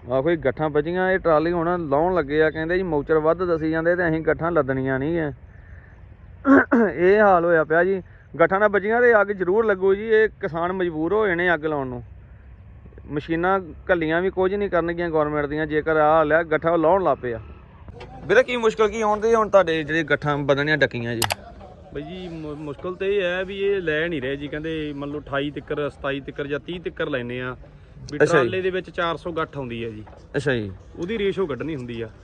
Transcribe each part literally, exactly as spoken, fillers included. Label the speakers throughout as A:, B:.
A: ਆ ਕੋਈ ਗੱਠਾਂ ਬਚੀਆਂ ਇਹ ਟਰਾਲੀ ਹੁਣ ਲਾਉਣ ਲੱਗੇ ਆ ਕਹਿੰਦੇ ਜੀ ਮੌਚਰ ਵੱਧ ਦੱਸੀ ਜਾਂਦੇ ਤੇ ਅਸੀਂ ਗੱਠਾਂ ਲੱਦਣੀਆਂ ਨਹੀਂ ਐ ਇਹ ਹਾਲ ਹੋਇਆ ਪਿਆ ਜੀ। ਗੱਠਾਂ ਨਾਲ ਬਚੀਆਂ ਤੇ ਅੱਗ ਜ਼ਰੂਰ ਲੱਗੂ ਜੀ। ਇਹ ਕਿਸਾਨ ਮਜਬੂਰ ਹੋ ਜਾਣੇ ਅੱਗ ਲਾਉਣ ਨੂੰ। ਮਸ਼ੀਨਾਂ ਘੱਲੀਆਂ ਵੀ ਕੁਝ ਨਹੀਂ ਕਰਨਗੀਆਂ ਗੌਰਮੈਂਟ ਦੀਆਂ ਜੇਕਰ ਆਹ ਹਾਲ ਹੈ ਗੱਠਾਂ ਲਾਉਣ ਲੱਗ ਪਏ ਆ। ਵੀਰੇ ਕੀ ਮੁਸ਼ਕਲ ਕੀ ਆਉਂਦੀ ਹੁਣ ਤੁਹਾਡੇ ਜਿਹੜੇ ਗੱਠਾਂ ਬਦਲਣੀਆਂ ਡੱਕੀਆਂ ਜੀ?
B: ਬਈ ਜੀ ਮੁਸ਼ਕਲ ਤਾਂ ਇਹ ਹੈ ਵੀ ਇਹ ਲੈ ਨਹੀਂ ਰਹੇ ਜੀ। ਕਹਿੰਦੇ ਮੰਨ ਲਓ ਅਠਾਈ ਤਿੱਕਰ ਸਤਾਈ ਤਿੱਕਰ ਜਾਂ ਤੀਹ ਤਿੱਕਰ ਲੈਨੇ ਆ ਵੀ ਟਰਾਲੇ ਦੇ ਵਿੱਚ ਚਾਰ ਸੌ ਗੱਠ ਆਉਂਦੀ ਹੈ ਜੀ।
A: ਅੱਛਾ ਜੀ।
B: ਉਹਦੀ ਰੇਸ਼ੋ ਕੱਢਣੀ ਹੁੰਦੀ ਆ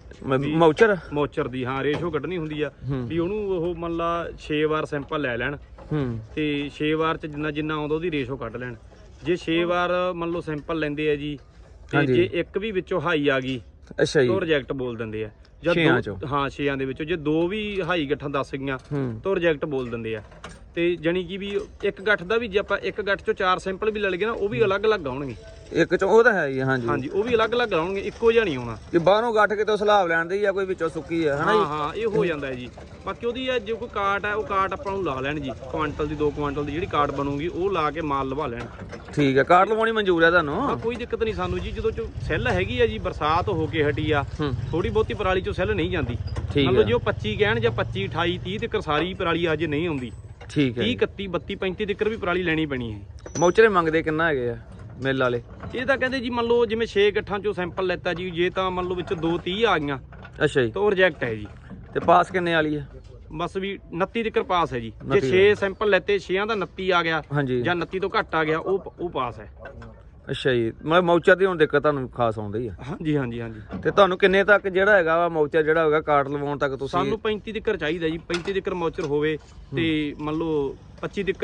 A: ਮੌਚਰ
B: ਮੌਚਰ ਦੀ। ਹਾਂ ਰੇਸ਼ੋ ਕੱਢਣੀ ਹੁੰਦੀ ਆ ਵੀ ਉਹਨੂੰ ਉਹ ਮੰਨ ਲਾ ਛੇ ਵਾਰ ਸੈਂਪਲ ਲੈ ਲੈਣ ਤੇ ਛੇ ਵਾਰ ਚ ਜਿੰਨਾ ਜਿੰਨਾ ਆਉਂਦਾ ਉਹਦੀ ਰੇਸ਼ੋ ਕੱਢ ਲੈਣ। ਜੇ ਛੇ ਵਾਰ ਮੰਨ ਲਓ ਸੈਂਪਲ ਲੈਂਦੇ ਆ ਜੀ ਤੇ ਜੇ ਇੱਕ ਵੀ ਵਿੱਚੋਂ ਹਾਈ ਆ ਗਈ
A: ਅੱਛਾ ਜੀ
B: ਤਾਂ ਰਿਜੈਕਟ ਬੋਲ ਦਿੰਦੇ ਆ।
A: ਛੇਆਂ ਚੋਂ
B: ਹਾਂ ਛੇਆਂ ਦੇ ਵਿੱਚੋਂ ਜੇ ਦੋ ਵੀ ਹਾਈ ਗੱਠਾਂ ਦੱਸ ਗਈਆਂ ਤਾਂ ਰਿਜੈਕਟ ਬੋਲ ਦਿੰਦੇ ਆ। ਤੇ ਜਾਨੀ ਕਿ ਵੀ ਇੱਕ ਗੱਠ ਦਾ ਵੀ ਜੇ ਆਪਾਂ ਇੱਕ ਗੱਠ ਚੋਂ ਚਾਰ ਸੈਂਪਲ ਵੀ ਲੈ ਲਈਏ ਨਾ ਉਹ ਵੀ ਅਲੱਗ-ਅਲੱਗ ਆਉਣਗੇ।
A: ਇੱਕ ਚੋਂ ਉਹ ਤਾਂ ਹੈ ਜੀ। ਹਾਂਜੀ
B: ਹਾਂਜੀ ਉਹ ਵੀ ਅਲੱਗ-ਅਲੱਗ ਆਉਣਗੇ, ਇੱਕੋ ਜਿਹਾ ਨਹੀਂ ਆਉਣਾ
A: ਕਿ ਬਾਹਰੋਂ ਗੱਠ ਕਿਤੋਂ ਸਲਾਬ ਲੈਣ ਦੀ ਜਾਂ ਕੋਈ ਵਿੱਚੋਂ ਸੁੱਕੀ ਹੈ ਹਨਾ ਜੀ।
B: ਹਾਂ ਹਾਂ ਇਹ ਹੋ ਜਾਂਦਾ ਹੈ ਜੀ। ਬਾਕੀ ਉਹਦੀ ਜੇ ਕੋਈ ਕਾਟ ਹੈ ਉਹ ਕਾਟ ਆਪਾਂ ਨੂੰ ਲਾ ਲੈਣ ਜੀ। ਕੁਆਂਟਲ ਦੀ ਦੋ ਕੁਆਂਟਲ ਦੀ ਜਿਹੜੀ ਕਾਟ ਬਣੂਗੀ ਉਹ ਲਾ ਕੇ ਮਾਲ ਲਵਾ ਲੈਣ।
A: ਠੀਕ ਹੈ। ਕਾਟ ਲਵਾਉਣੀ ਮਨਜ਼ੂਰ ਹੈ ਤੁਹਾਨੂੰ?
B: ਕੋਈ ਦਿੱਕਤ ਨਹੀਂ ਸਾਨੂੰ ਜੀ। ਜਦੋਂ ਚੋਂ ਸੈੱਲ ਹੈਗੀ ਆ ਜੀ ਬਰਸਾਤ ਹੋ ਕੇ ਹਟੀ ਆ ਥੋੜੀ ਬਹੁਤੀ ਪਰਾਲੀ ਚੋਂ ਸੈੱਲ ਨਹੀਂ ਜਾਂਦੀ। ਮੰਨ ਲਓ ਜੇ ਉਹ ਪੱਚੀ ਕਹਿਣ ਜਾਂ ਪੱਚੀ ਅਠਾਈ ਤੀਹ ਤੱਕ ਸਾਰੀ ਪਰਾਲੀ ਅਜੇ ਨਹੀਂ ਆਉਂਦੀ।
A: ਠੀਕ ਹੈ।
B: ਤੀਹ ਇਕੱਤੀ ਬੱਤੀ ਪੈਂਤੀ ਤੱਕ ਵੀ ਪਰਾਲੀ ਲੈਣੀ ਪੈਣੀ ਹੈ।
A: ਮੌਚਰੇ ਮੰਗਦੇ ਕਿੰਨਾ ਹੈਗੇ ਆ ਮਿਲ ਵਾਲੇ?
B: ਇਹ ਤਾਂ ਕਹਿੰਦੇ ਜੀ ਮੰਨ ਲਓ ਜਿਵੇਂ ਛੇ ਗੱਠਾਂ ਚੋਂ ਸੈਂਪਲ ਲੈਤਾ ਜੀ ਜੇ ਤਾਂ ਮੰਨ ਲਓ ਵਿੱਚ ਦੋ ਤੀਹ ਆ ਗਈਆਂ
A: ਅੱਛਾ ਜੀ
B: ਤਾਂ ਉਹ ਰਿਜੈਕਟ ਹੈ ਜੀ।
A: ਤੇ ਪਾਸ ਕਿੰਨੇ ਵਾਲੀ ਹੈ?
B: ਬਸ ਵੀ ਉਨੱਤੀ ਤੱਕ ਪਾਸ ਹੈ ਜੀ। ਜੇ ਛੇ ਸੈਂਪਲ ਲੈਤੇ ਛੇਆਂ ਦਾ ਉਨੱਤੀ ਆ ਗਿਆ ਜਾਂ ਉਨੱਤੀ ਤੋਂ ਘੱਟ ਆ ਗਿਆ ਉਹ ਉਹ ਪਾਸ ਹੈ।
A: ਅੱਛਾ ਜੀ। ਮਤਲਬ ਮੌਚਰ ਦੀ ਹੁਣ ਦਿੱਕਤ ਤੁਹਾਨੂੰ ਖਾਸ ਆਉਂਦੀ ਆ?
B: ਹਾਂਜੀ ਹਾਂਜੀ ਹਾਂਜੀ।
A: ਤੇ ਤੁਹਾਨੂੰ ਕਿੰਨੇ ਤੱਕ ਜਿਹੜਾ ਹੈਗਾ ਵਾ ਮੌਚਰ ਜਿਹੜਾ ਹੋਗਾ ਕਾਟ ਲਵਾਉਣ ਤੱਕ ਤੁਸੀਂ?
B: ਸਾਨੂੰ ਪੈਂਤੀ ਤੱਕ ਚਾਹੀਦਾ ਜੀ। ਪੈਂਤੀ ਤੱਕ ਮੌਚਰ ਹੋਵੇ ਤੇ ਮੰਨ ਲਓ ਪੱਚੀ ਤੱਕ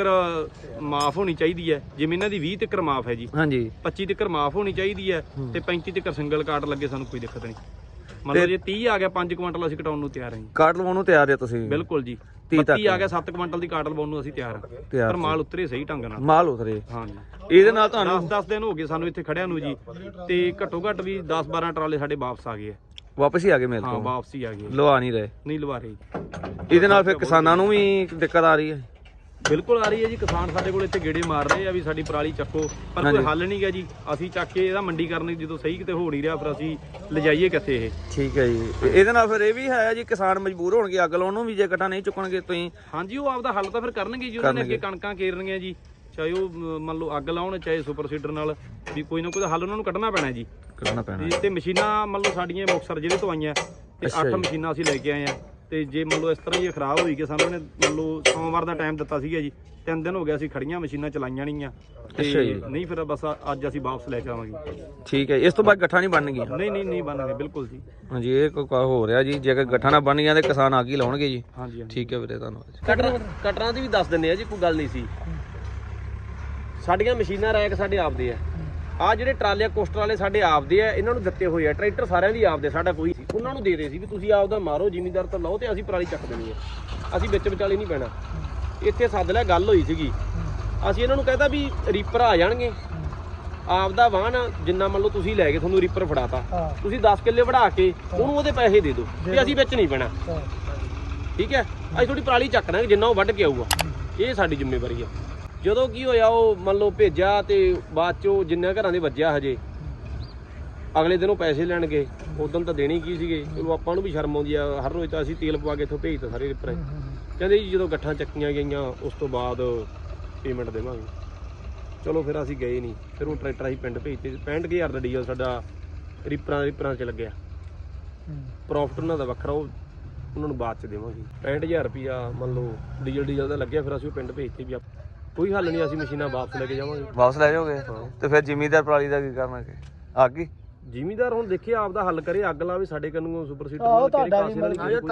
B: ਮਾਫ ਹੋਣੀ ਚਾਹੀਦੀ ਹੈ। ਜਿਵੇਂ ਇਹਨਾਂ ਦੀ ਵੀਹ ਤੱਕ ਮਾਫ ਹੈ ਜੀ।
A: ਹਾਂਜੀ
B: ਪੱਚੀ ਤੱਕ ਮਾਫ ਹੋਣੀ ਚਾਹੀਦੀ ਹੈ ਤੇ ਪੈਂਤੀ ਤੱਕ ਸਿੰਗਲ ਕਾਟ ਲੱਗੇ ਸਾਨੂੰ ਕੋਈ ਦਿੱਕਤ ਨਹੀਂ। ਮੰਨ ਲਓ ਜੇ ਤੀਹ ਆ ਗਿਆ ਪੰਜ ਕੁਆਂਟਲ ਅਸੀਂ ਕਟਾਉਣ ਨੂੰ ਤਿਆਰ ਹਾਂ ਜੀ।
A: ਕਾਟ ਲਵਾਉਣ ਨੂੰ ਤਿਆਰ ਹੈ ਤੁਸੀਂ?
B: ਬਿਲਕੁਲ ਜੀ। ਤੀਹ ਆ ਗਿਆ ਸੱਤ ਕੁਆਂਟਲ ਦੀ ਕਾਟ ਲਵਾਉਣ ਨੂੰ ਅਸੀਂ ਤਿਆਰ ਹਾਂ ਪਰ ਮਾਲ ਉਤਰੇ ਸਹੀ ਢੰਗ ਨਾਲ।
A: ਮਾਲ ਉਤਰੇ।
B: ਹਾਂਜੀ।
A: ਇਹਦੇ ਨਾਲ ਤੁਹਾਨੂੰ
B: ਦਸ ਦਸ ਦਿਨ ਹੋ ਗਏ ਸਾਨੂੰ ਇੱਥੇ ਖੜਿਆਂ ਨੂੰ ਜੀ ਤੇ ਘੱਟੋ ਘੱਟ ਵੀ ਦਸ ਬਾਰਾਂ ਟਰਾਲੇ ਸਾਡੇ ਵਾਪਸ ਆ ਗਏ ਆ।
A: ਵਾਪਸ ਹੀ ਆ ਗਏ ਮੇਰੇ
B: ਹਾਂ
A: ਤੋਂ?
B: ਵਾਪਸ ਹੀ ਆ ਗਏ।
A: ਲਵਾ ਨਹੀਂ ਰਹੇ?
B: ਨਹੀਂ ਲਵਾ ਰਹੇ।
A: ਇਹਦੇ ਨਾਲ ਫਿਰ ਕਿਸਾਨਾਂ ਨੂੰ ਵੀ ਦਿੱਕਤ ਆ ਰਹੀ ਹੈ?
B: ਬਿਲਕੁਲ ਆ ਰਹੀ ਹੈ ਜੀ। ਕਿਸਾਨ ਸਾਡੇ ਕੋਲ ਇੱਥੇ ਗੇੜੇ ਮਾਰ ਰਹੇ ਆ ਵੀ ਸਾਡੀ ਪਰਾਲੀ ਚੱਕੋ ਪਰ ਕੋਈ ਹੱਲ ਨਹੀਂ ਗਾ ਜੀ। ਅਸੀਂ ਚੱਕ ਕੇ ਇਹਦਾ ਮੰਡੀ ਕਰਨ ਜਦੋਂ ਸਹੀ ਕਿਤੇ ਹੋ ਨਹੀਂ ਰਿਹਾ ਫਿਰ ਅਸੀਂ ਲਿਜਾਈਏ ਕਿੱਥੇ ਇਹ?
A: ਠੀਕ ਹੈ ਜੀ। ਇਹਦੇ ਨਾਲ ਫਿਰ ਇਹ ਵੀ ਹੈ ਜੀ ਕਿਸਾਨ ਮਜਬੂਰ ਹੋਣਗੇ ਅੱਗ ਲਾਉਣ ਨੂੰ ਵੀ ਜੇ ਗੱਠਾਂ ਨਹੀਂ ਚੁੱਕਣਗੇ ਤੁਸੀਂ?
B: ਹਾਂਜੀ ਉਹ ਆਪਦਾ ਹੱਲ ਤਾਂ ਫਿਰ ਕਰਨਗੇ ਜੀ। ਉਹਨਾਂ ਨੇ ਅੱਗੇ ਕਣਕਾਂ ਕੇਰਨੀਆਂ ਜੀ ਚਾਹੇ ਉਹ ਮੰਨ ਲਓ ਅੱਗ ਲਾਉਣ ਚਾਹੇ ਸੁਪਰ ਸੀਡਰ ਨਾਲ ਵੀ ਕੋਈ ਨਾ ਕੋਈ ਹੱਲ ਉਹਨਾਂ ਨੂੰ ਕੱਢਣਾ ਪੈਣਾ ਜੀ।
A: ਕੱਢਣਾ ਪੈਣਾ।
B: ਤੇ ਮਸ਼ੀਨਾਂ ਮੰਨ ਲਓ ਸਾਡੀਆਂ ਮੁਕਤਸਰ ਜ਼ਿਲ੍ਹੇ ਤੋਂ ਆਈਆਂ ਤੇ ਅੱਠ ਮਸ਼ੀਨਾਂ ਅਸੀਂ ਲੈ ਕੇ ਆਏ ਆ ਤੇ ਜੇ ਮੰਨ ਲਓ ਇਸ ਤਰ੍ਹਾਂ ਹੀ ਖਰਾਬ ਹੋਈ ਕਿ ਸਾਨੂੰ ਇਹਨੇ ਮੰਨ ਲਓ ਸੋਮਵਾਰ ਦਾ ਟਾਈਮ ਦਿੱਤਾ ਸੀਗਾ ਜੀ ਤਿੰਨ ਦਿਨ ਹੋ ਗਿਆ ਅਸੀਂ ਖੜੀਆਂ ਮਸ਼ੀਨਾਂ ਚਲਾਈਆਂ ਨਹੀਂ ਆ ਤੇ ਨਹੀਂ ਫਿਰ ਬਸ ਅੱਜ ਅਸੀਂ ਵਾਪਸ ਲੈ ਕੇ ਆਵਾਂਗੇ।
A: ਠੀਕ ਹੈ। ਇਸ ਤੋਂ ਬਾਅਦ ਗੱਠਾਂ ਨਹੀਂ ਬਣਨਗੀਆਂ?
B: ਨਹੀਂ ਨਹੀਂ ਨਹੀਂ ਬਣਨਗੇ ਬਿਲਕੁਲ ਜੀ।
A: ਹਾਂਜੀ ਇਹ ਕੋਈ ਹੋ ਰਿਹਾ ਜੀ। ਜੇਕਰ ਗੱਠਾਂ ਨਾ ਬਣੀਆਂ ਤੇ ਕਿਸਾਨ ਅੱਗ ਹੀ ਲਾਉਣਗੇ ਜੀ।
B: ਹਾਂਜੀ
A: ਠੀਕ ਹੈ ਵੀਰੇ ਧੰਨਵਾਦ।
C: ਕਟਰਾਂ ਕਟਰਾਂ ਦੀ ਵੀ ਦੱਸ ਦਿੰਦੇ ਆ ਜੀ ਕੋਈ ਗੱਲ ਨਹੀਂ ਸੀ। ਸਾਡੀਆਂ ਮਸ਼ੀਨਾਂ ਰੈਕ ਸਾਡੇ ਆਪਦੇ ਆ। ਆ ਜਿਹੜੇ ਟਰਾਲੇ ਕੋਸਟਰ ਵਾਲੇ ਸਾਡੇ ਆਪਦੇ ਆ ਇਹਨਾਂ ਨੂੰ ਦਿੱਤੇ ਹੋਏ ਆ। ਟਰੈਕਟਰ ਸਾਰਿਆਂ ਦੀ ਆਪਦੇ ਸਾਡਾ ਕੋਈ ਸੀ। ਉਹਨਾਂ ਨੂੰ ਦੇ ਦੇ ਸੀ ਵੀ ਤੁਸੀਂ ਆਪਦਾ ਮਾਰੋ ਜ਼ਿਮੀਂਦਾਰ ਤੋਂ ਲਓ ਤੇ ਅਸੀਂ ਪਰਾਲੀ ਚੱਕ ਦੇਣੀ ਆ। ਅਸੀਂ ਵਿੱਚ ਵਿਚਾਲੇ ਨਹੀਂ ਪੈਣਾ। ਇੱਥੇ ਸੱਦ ਲਿਆ ਗੱਲ ਹੋਈ ਸੀਗੀ। ਅਸੀਂ ਇਹਨਾਂ ਨੂੰ ਕਹਿੰਦਾ ਵੀ ਰੀਪਰ ਆ ਜਾਣਗੇ ਆਪਦਾ ਵਾਹਨ ਜਿੰਨਾ ਮੰਨ ਲਓ ਤੁਸੀਂ ਲੈ ਕੇ ਤੁਹਾਨੂੰ ਰੀਪਰ ਫੜਾਤਾ ਤੁਸੀਂ ਦਸ ਕਿੱਲੇ ਵੜਾ ਕੇ ਉਹਨੂੰ ਉਹਦੇ ਪੈਸੇ ਦੇ ਦਿਓ ਵੀ ਅਸੀਂ ਵਿੱਚ ਨਹੀਂ ਪੈਣਾ। ਠੀਕ ਹੈ। ਅਸੀਂ ਥੋੜੀ ਪਰਾਲੀ ਚੱਕਣਾ ਜਿੰਨਾ ਉਹ ਵੱਢ ਕੇ ਆਊਗਾ ਇਹ ਸਾਡੀ ਜ਼ਿੰਮੇਵਾਰੀ ਆ। ਜਦੋਂ ਕੀ ਹੋਇਆ ਉਹ ਮੰਨ ਲਓ ਭੇਜਿਆ ਤੇ ਬਾਅਦ ਚੋਂ ਜਿੰਨੇ ਘਰਾਂ ਦੇ ਵੱਜਿਆ ਹਜੇ ਅਗਲੇ ਦਿਨ ਉਹ ਪੈਸੇ ਲੈਣ ਗਏ। ਉਦੋਂ ਤਾਂ ਦੇਣੀ ਕੀ ਸੀਗੇ। ਚਲੋ ਆਪਾਂ ਨੂੰ ਵੀ ਸ਼ਰਮ ਆਉਂਦੀ ਆ। ਹਰ ਰੋਜ਼ ਤਾਂ ਅਸੀਂ ਤੇਲ ਪਵਾ ਕੇ ਇੱਥੋਂ ਭੇਜਤਾ ਸਾਰੇ ਰਿਪਰ। ਕਹਿੰਦੇ ਜੀ ਜਦੋਂ ਗੱਠਾਂ ਚੱਕੀਆਂ ਗਈਆਂ ਉਸ ਤੋਂ ਬਾਅਦ ਪੇਮੈਂਟ ਦੇਵਾਂਗੇ। ਚਲੋ ਫਿਰ ਅਸੀਂ ਗਏ ਨਹੀਂ। ਫਿਰ ਉਹ ਟਰੈਕਟਰ ਅਸੀਂ ਪਿੰਡ ਭੇਜਤੇ। ਪੈਂਹਠ ਕੁ ਹਜ਼ਾਰ ਦਾ ਡੀਜ਼ਲ ਸਾਡਾ ਰਿਪਰਾਂ ਰਿਪਰਾਂ 'ਚ ਲੱਗਿਆ। ਪ੍ਰੋਫਿਟ ਉਹਨਾਂ ਦਾ ਵੱਖਰਾ ਉਹ ਉਹਨਾਂ ਨੂੰ ਬਾਅਦ 'ਚ ਦੇਵਾਂਗੇ। ਪੈਂਹਠ ਹਜ਼ਾਰ ਰੁਪਈਆ ਮੰਨ ਲਓ ਡੀਜ਼ਲ ਡੀਜ਼ਲ ਦਾ ਲੱਗਿਆ। ਫਿਰ ਅਸੀਂ ਉਹ ਪਿੰਡ ਭੇਜਤੇ ਵੀ ਕੋਈ ਹੱਲ ਨਹੀਂ। ਅਸੀਂ ਮਸ਼ੀਨਾਂ ਵਾਪਸ ਲੈ ਕੇ ਜਾਵਾਂਗੇ।
A: ਵਾਪਸ ਲੈ ਜਾਓਗੇ? ਤੇ ਫਿਰ ਜ਼ਿਮੀਂਦਾਰ ਪਰਾਲੀ ਦਾ ਕੀ ਕਰਨਗੇ? ਅੱਗ ਹੀ?
B: ਜ਼ਿਮੀਂਦਾਰ ਹੁਣ ਦੇਖੇ ਆਪਦਾ ਹੱਲ ਕਰੇ। ਅੱਗ ਲਾਵੇ ਸਾਡੇ ਕੰਨੂ ਸੁਪਰ ਸੀਡਰ
D: ਤੁਹਾਡਾ ਕੋਈ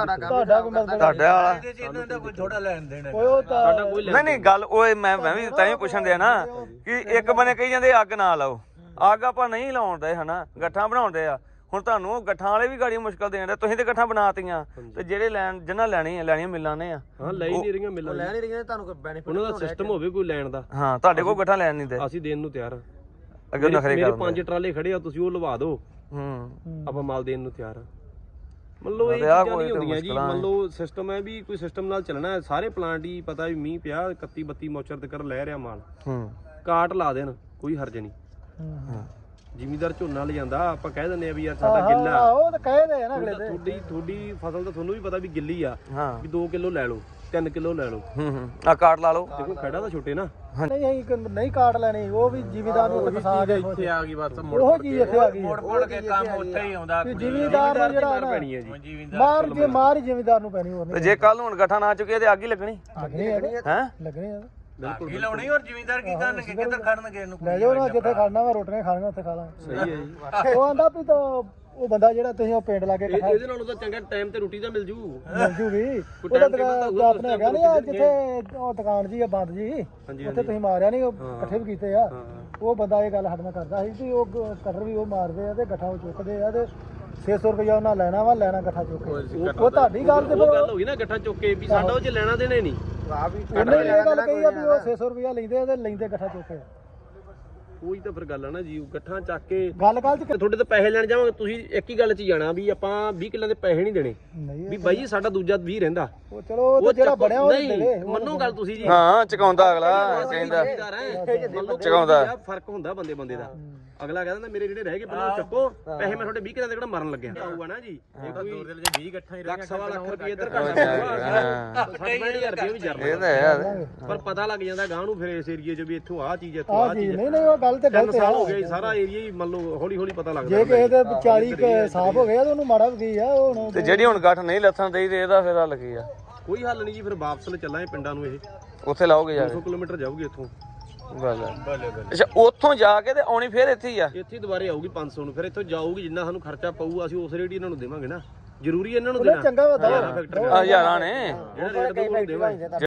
D: ਥੋੜਾ ਲੈਣ ਦੇਣਾ
B: ਸਾਡਾ ਕੋਈ
A: ਨਹੀਂ ਨਹੀਂ ਗੱਲ ਉਹ ਮੈਂ ਮੈਂ ਵੀ ਤਾਂ ਹੀ ਪੁੱਛਣ ਦਿਆ ਨਾ ਕਿ ਇੱਕ ਬੰਨੇ ਕਹੀ ਜਾਂਦੇ ਅੱਗ ਨਾ ਲਾਓ। ਅੱਗ ਆਪਾਂ ਨਹੀਂ ਲਾਉਂਦੇ ਹਨਾ ਗੱਠਾਂ ਬਣਾਉਂਦੇ ਆ। ਹੁਣ ਤੁਹਾਨੂੰ ਉਹ ਗੱਠਾਂ ਵਾਲੇ ਵੀ ਗਾੜੀ ਮੁਸ਼ਕਲ ਦੇਣ ਦੇ। ਤੁਸੀਂ ਤੇ ਗੱਠਾਂ ਬਣਾਤੀਆਂ ਤੇ ਜਿਹੜੇ ਲੈਣ ਜਿਨ੍ਹਾਂ ਲੈਣੀਆਂ ਲੈਣੀਆਂ ਮਿਲਾਂ ਨੇ ਆ
B: ਹਾਂ ਲੈ ਨਹੀਂ ਰਹੀਆਂ ਮਿਲਾਂ
D: ਲੈ ਨਹੀਂ ਰਹੀਆਂ। ਤੁਹਾਨੂੰ ਕੋਈ ਬੈਨੀਫਿਟ
B: ਉਹਨਾਂ ਦਾ ਸਿਸਟਮ ਹੋਵੇ ਕੋਈ ਲੈਣ ਦਾ।
A: ਹਾਂ ਤੁਹਾਡੇ ਕੋਲ ਗੱਠਾਂ ਲੈਣ ਨਹੀਂ ਦੇ।
B: ਅਸੀਂ ਦੇਣ ਨੂੰ ਤਿਆਰ ਹਾਂ।
A: ਅੱਗੇ ਨਖਰੇ
B: ਮੇਰੇ ਪੰਜ ਟਰਾਲੇ ਖੜੇ ਆ ਤੁਸੀਂ ਉਹ ਲਵਾ ਦਿਓ
A: ਹੂੰ
B: ਆਪਾਂ ਮਾਲ ਦੇਣ ਨੂੰ ਤਿਆਰ ਆ। ਮੰਨ ਲਓ ਇਹ ਚੀਜ਼ਾਂ ਨਹੀਂ ਹੁੰਦੀਆਂ ਜੀ। ਮੰਨ ਲਓ ਸਿਸਟਮ ਹੈ ਵੀ ਕੋਈ ਸਿਸਟਮ ਨਾਲ ਚੱਲਣਾ ਹੈ। ਸਾਰੇ ਪਲਾਂਟ ਹੀ ਪਤਾ ਵੀ ਮੀਂਹ ਪਿਆ ਇਕੱਤੀ ਬੱਤੀ ਮੌਚਰ ਤੇ ਕਰ ਲੈ ਰਿਹਾ ਮਾਲ।
A: ਹੂੰ
B: ਕਾਟ ਲਾ ਦੇਣ ਕੋਈ ਹਰਜ ਨਹੀਂ।
C: ਜ਼ਿਮੀਦਾਰ ਝੋਨਾ ਲਿਜਾਂਦਾ ਆਪਾਂ ਕਹਿ ਦਿੰਦੇ ਆ ਵੀ ਯਾਰ ਸਾਡਾ ਗਿੱਲਾ
D: ਹਾਂ ਉਹ ਤਾਂ ਕਹਦੇ ਆ ਨਾ ਅਗਲੇ
C: ਤੁਹਾਡੀ ਤੁਹਾਡੀ ਫਸਲ ਤਾਂ ਤੁਹਾਨੂੰ ਵੀ ਪਤਾ ਵੀ ਗਿੱਲੀ ਆ
A: ਹਾਂ
C: ਵੀ ਦੋ ਕਿਲੋ ਲੈ ਲਓ ਤਿੰਨ ਕਿਲੋ ਲੈ ਲਓ
A: ਹੂੰ ਹੂੰ ਆ ਕਾਰਡ ਲਾ ਲਓ
C: ਦੇਖੋ ਖੜਾ ਤਾਂ ਛੋਟੇ ਨਾ
D: ਨਹੀਂ ਅਸੀਂ ਕ- ਨਹੀਂ ਕਾਟ ਲੈਣੀ ਉਹ ਵੀ ਜ਼ਿਮੀਦਾਰ ਨੂੰ ਉੱਥੇ ਫਸਾ ਕੇ
E: ਇੱਥੇ ਆ ਗਈ ਬਸ
D: ਉਹ ਚੀਜ਼ ਇੱਥੇ ਆ ਗਈ
E: ਮੋੜ ਮੋੜ ਕੇ ਕੰਮ ਉੱਥੇ ਹੀ ਆਉਂਦਾ
D: ਕਿ ਜ਼ਿਮੀਦਾਰ ਨੂੰ ਜਿਹੜਾ ਨਾ
C: ਪੈਣੀ ਹੈ ਜੀ
D: ਮਾਰ ਜੇ ਮਾਰ ਹੀ ਜ਼ਿਮੀਦਾਰ ਨੂੰ ਪੈਣੀ ਹੋਰ
A: ਤੇ
D: ਨਹੀਂ
A: ਜੇ ਕੱਲ ਨੂੰ ਹੁਣ ਗੱਠਾ ਨਾ ਚੁੱਕਿਆ ਤੇ ਅੱਗ ਹੀ ਲੱਗਣੀ
D: ਲੱਗਣੀ ਹੈ
A: ਹੈ
D: ਲੱਗਣੀ ਹੈ
E: ਕੀ ਲਾਉਣੀ ਔਰ ਜ਼ਿਮੀਂਦਾਰ ਕੀ ਕਰਨਗੇ ਕਿੱਧਰ ਖੜਨਗੇ ਇਹਨੂੰ
D: ਲੈ ਜਾਓ ਨਾ ਜਿੱਥੇ ਖਾਣਾ ਵਾ ਰੋਟੀਆਂ ਖਾਣੀਆਂ ਉੱਥੇ ਖਾ ਲਾਂਗੇ
C: ਸਹੀ ਹੈ ਜੀ
D: ਉਹ ਆਂਦਾ ਵੀ ਤਾਂ ਉਹ ਬੰਦਾ ਜਿਹੜਾ ਤੁਸੀਂ ਉਹ ਪਿੰਡ ਲਾ ਕੇ
C: ਇਹ- ਇਹਦੇ ਨਾਲੋਂ ਤਾਂ ਚੰਗਾ ਟਾਈਮ ਤੇ ਰੋਟੀ ਤਾਂ ਮਿਲ ਜੂ
D: ਮਿਲ ਜੂਗੀ ਉਹਦਾ
C: time table ਤਾਂ
D: ਦੁਕਾਨ
C: ਹੋਊਗਾ,
D: ਆਪਣੇ ਹੈਗਾ ਨਹੀਂ ਆ ਜਿੱਥੇ ਉਹ ਦੁਕਾਨ ਜੀ ਆ ਬੰਦ ਜੀ
C: ਹਾਂਜੀ,
D: ਉੱਥੇ ਤੁਸੀਂ ਮਾਰਿਆ ਨਹੀਂ ਉਹ ਇਕੱਠੇ ਵੀ ਕੀਤੇ ਆ
C: ਹਾਂ।
D: ਉਹ ਬੰਦਾ ਇਹ ਗੱਲ ਸਾਡੇ ਨਾਲ ਕਰਦਾ ਸੀ ਵੀ ਉਹ ਗ- ਕਟਰ ਵੀ ਉਹ ਮਾਰਦੇ ਆ ਤੇ ਗੱਠਾ ਉਹ ਚੁੱਕਦੇ ਆ ਤੇ ਛੇ ਸੌ ਰੁਪਇਆ ਉਹਨਾਂ ਲੈਣਾ ਵਾ ਲੈਣਾ ਗੱਠਾ ਚੁੱਕ ਕੇ ਉਹ ਉਹ ਤੁਹਾਡੀ ਗੱਲ ਤੇ
C: ਉਹ
D: ਫਿਰ
C: ਗੱਲ ਹੋ ਗਈ ਨਾ ਗੱਠਾ ਚੁੱਕ ਕੇ ਵੀ ਸਾਡਾ ਉਹ ਚ ਲੈਣਾ ਦੇਣੇ ਨਹੀਂ
D: ਉਹਨੇ ਇਹ ਗੱਲ ਕਹੀ ਆ ਵੀ ਉਹ ਛੇ ਸੌ ਰੁਪਇਆ ਲੈਂਦੇ ਆ ਤੇ ਲੈਂਦੇ ਗੱਠਾ ਚੁੱਕ ਕੇ
C: ਉਹੀ ਤਾਂ ਫਿਰ ਗੱਲ ਆ ਨਾ ਜੀ ਗੱਠਾ ਚੱਕ ਕੇ
D: ਗੱਲ ਗੱਲ ਚ
C: ਤੇ ਤੁਹਾਡੇ ਤੋਂ ਪੈਸੇ ਲੈਣ ਜਾਵਾਂਗੇ ਤੁਸੀਂ ਇੱਕ ਹੀ ਗੱਲ 'ਚ ਹੀ ਜਾਣਾ ਵੀ ਆਪਾਂ ਵੀਹ ਕਿੱਲਿਆਂ ਦੇ ਪੈਸੇ ਨਹੀਂ ਦੇਣੇ
D: ਨਹੀਂ
C: ਵੀ ਬਾਈ ਜੀ ਸਾਡਾ ਦੂਜਾ ਵੀਹ ਰਹਿੰਦਾ
D: ਉਹ ਚਲੋ ਉਹ ਤਾਂ ਜਿਹੜਾ
C: ਚੱਕੋ-
D: ਬਣਿਆ ਉਹ
C: ਨਹੀਂ
D: ਦੇਵੇ
C: ਮੰਨੋ ਗੱਲ ਤੁਸੀਂ ਜੀ
A: ਹਾਂ ਚਕਾਉਂਦਾ ਅਗਲਾ ਕਹਿੰਦਾ
C: ਜ਼ਿਮੀਦਾਰ ਹੈ
A: ਚੁਕਾਉਂਦਾ।
C: ਚਕਾਉਂਦਾ ਫਰਕ ਹੁੰਦਾ ਬੰਦੇ ਬੰਦੇ ਦਾ ਅਗਲਾ ਕਹਿੰਦਾ ਮੇਰੇ ਜਿਹੜੇ ਰਹਿ ਗਏ ਪਹਿਲਾਂ ਚੱਕੋ ਪੈਸੇ ਮੈਂ ਤੁਹਾਡੇ ਵੀਹ ਕਿੱਲਿਆਂ ਦੇ ਕਿਹੜਾ ਮਰਨ ਲੱਗਿਆ ਆਊਗਾ ਨਾ ਜੀ ਇਹ ਕੋਈ
E: ਜੇ ਵੀਹ ਇਕੱਠਾ ਹੀ
C: ਲੱਖ ਸਵਾ ਲੱਖ ਰੁਪਏ ਇੱਧਰ
A: ਹਾਂ।
C: ਘੱਟ ਸੱਠ ਹਜ਼ਾਰ ਰੁਪਏ ਵੀ ਜਰਨਾ
A: ਇਹ ਤਾਂ ਹੈ
C: ਪਰ ਪਤਾ ਲੱਗ ਜਾਂਦਾ ਗਾਂ ਨੂੰ ਫਿਰ ਇਸ ਏਰੀਏ 'ਚ ਵੀ ਇੱਥੋਂ ਆਹ ਚੀਜ਼ ਇੱਥੋਂ
D: ਆ
C: ਆਹ
D: ਜੀ
C: ਚੀਜ਼
D: ਨਹੀਂ ਨਹੀਂ ਉਹ ਗੱਲ ਤੇ
C: ਤਿੰਨ
D: ਗਲਤ
C: ਸਾਲ ਹੋ
D: ਆ
C: ਗਏ ਸਾਰਾ ਏਰੀਆ ਹੀ ਮੰਨ ਲਓ ਹੌਲੀ ਹੌਲੀ ਪਤਾ ਲੱਗਦਾ
D: ਜੇ ਕਿਸੇ ਦੇ ਚਾਲੀ ਕੁ ਸਾਫ ਹੋ ਗਿਆ ਤੇ ਉਹਨੂੰ ਮਾੜਾ ਵੀ ਗਈ ਆ ਉਹ ਹੁਣ
A: ਤੇ ਜਿਹੜੀ ਹੁਣ ਗੱਠ ਨਹੀਂ ਲੱਥਣ ਦੇਈ ਤੇ ਇਹਦਾ ਫਿਰ ਹੱਲ ਕੀ ਆ
C: ਕੋਈ ਹੱਲ ਨਹੀਂ ਜੀ ਫਿਰ ਵਾਪਸ ਲੈ ਚੱਲਾਂਗੇ ਪਿੰਡਾਂ ਨੂੰ ਇਹ
A: ਉੱਥੇ ਲਾਓਗੇ ਜਾ
C: ਦੋ ਸੌ ਕਿਲੋਮੀਟਰ ਜਾਊਗੀ ਇੱਥੋਂ
A: ਕੇ ਗੱਲ ਆ। ਅੱਛਾ ਉੱਥੋਂ ਜਾ ਕੇ ਤੇ ਆਉਣੀ ਫਿਰ ਇੱਥੇ ਹੀ ਆ
C: ਇੱਥੇ ਹੀ ਦੁਬਾਰੇ ਆਊਗੀ ਪੰਜ ਸੌ ਨੂੰ ਫਿਰ ਇੱਥੋਂ ਜਾਊਗੀ ਜਿੰਨਾ ਸਾਨੂੰ ਖਰਚਾ ਪਊ ਅਸੀਂ ਉਸ ਰੇਟ ਹੀ ਇਹਨਾਂ ਨੂੰ ਦੇਵਾਂਗੇ ਨਾ ਜ਼ਰੂਰੀ ਇਹਨਾਂ ਨੂੰ
D: ਉਹਨੇ
C: ਦੇਣਾ
D: ਚੰਗਾ ਵਾ
C: ਹਜ਼ਾਰਾਂ ਫੈਕਟਰੀ
A: ਆ ਹਜ਼ਾਰਾਂ ਨੇ
C: ਜਿਹੜਾ ਰੇਟ ਦਊ ਉਹਨੂੰ ਦੇਵਾਂਗੇ